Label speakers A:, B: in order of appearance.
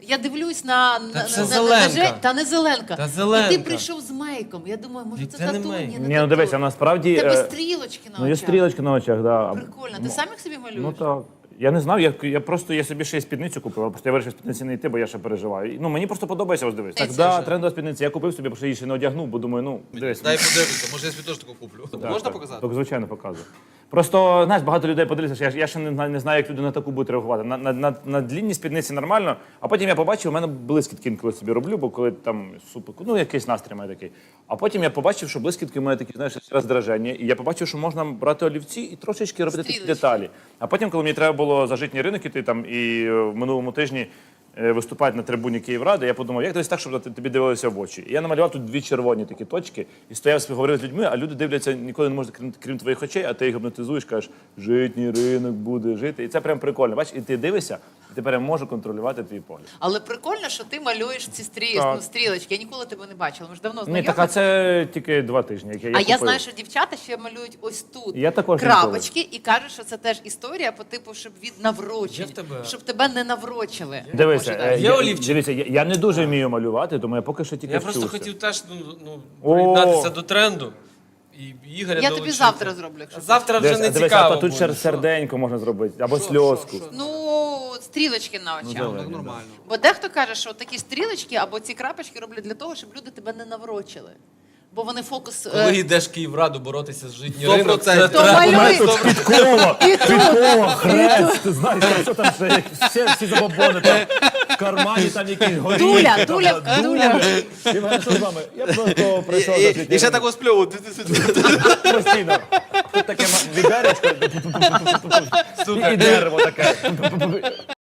A: Я дивлюсь на
B: це Зеленка.
A: Та не Зеленка.
B: Та Зеленка.
A: І ти прийшов з мейком. Я думаю, може це
B: Це не
A: тату?
B: мейк.
A: Ні,
C: Ні,
A: не
C: ну дивися,
A: тату.
C: насправді...
A: Тебе стрілочки на
C: Ну, є
A: очах.
C: стрілочки на очах, да.
A: Прикольно. Ти сам їх собі малюєш?
C: Ну так. Я не знав, я собі ще й спідницю купив, просто я вирішив спідниці не йти, бо я ще переживаю. Ну, мені просто подобається, ось дивись. Так, да, трендова спідниця. Я купив собі, бо ще її ще не одягнув, бо думаю, ну, дивись.
D: Дай подивитися, може я собі теж таку куплю. Можна
C: Так,
D: показати?
C: Так, звичайно, показую. Просто, знаєш, багато людей подивилися, що я ще не знаю, як люди на таку будуть реагувати. На длінні спідниці нормально, а потім я побачив, у мене блискітки інколи собі роблю, бо коли там супер, ну якийсь настрій має такий. А потім я побачив, що блискітки мають такі, знаєш, роздраження, і я побачив, що можна брати олівці і трошечки робити такі
A: Стрілочки.
C: деталі. А потім, коли мені треба було за житній ринок іти там і в минулому тижні виступати на трибуні Київради, я подумав, як десь так, щоб тобі дивилися в очі. І я намалював тут дві червоні такі точки, і стояв, говорив з людьми, а люди дивляться, ніколи не можуть, крім твоїх очей, а ти їх гіпнотизуєш, кажеш, житній ринок буде жити. І це прям прикольно. Бачиш, і ти дивишся, і тепер я можу контролювати твій погляд.
A: Але прикольно, що ти малюєш ці
C: Так.
A: стрілочки. Я ніколи тебе не бачила. Ми ж давно
C: Ні,
A: знайомі.
C: так а це тільки 2 тижні, як я
A: А я
C: купив.
A: знаю, що дівчата ще малюють ось тут
C: Я також
A: крапочки і кажуть, що це теж історія по типу, щоб від наврочень,
B: Є в тебе?
A: щоб тебе не наврочили.
C: Дивися,
A: Може, так.
B: Є олівчик?
C: дивися, я не дуже вмію малювати, тому я поки що тільки
B: Я
C: вчуся.
B: просто хотів теж
C: О!
B: приєднатися до тренду. І Ігоря
A: Я тобі
B: долучити.
A: завтра зроблю, якщо
B: Завтра вже не
C: Дивися,
B: цікаво
C: а тут
B: буде.
C: серденько можна зробити, або сльозку.
A: Ну, стрілочки на очах.
C: зелені.
D: Так нормально.
A: Бо дехто каже, що такі стрілочки або ці крапочки роблять для того, щоб люди тебе не наврочили. Бо вони фокус.
B: Коли йдеш в Київраду боротися з житній
D: 100%.
B: ринок, це
D: То
B: треба.
A: малюй.
C: Підкова, хрест, ти знаєш, що там ще всі забобони, там в кармані там якісь горіхи.
A: Дуля,
C: там,
A: дуля.
C: І в мене що з вами? Я просто прийшов до
D: І
C: світу.
D: ще так сплю.
C: Постійно. Тут таке відеречко, і дерево таке.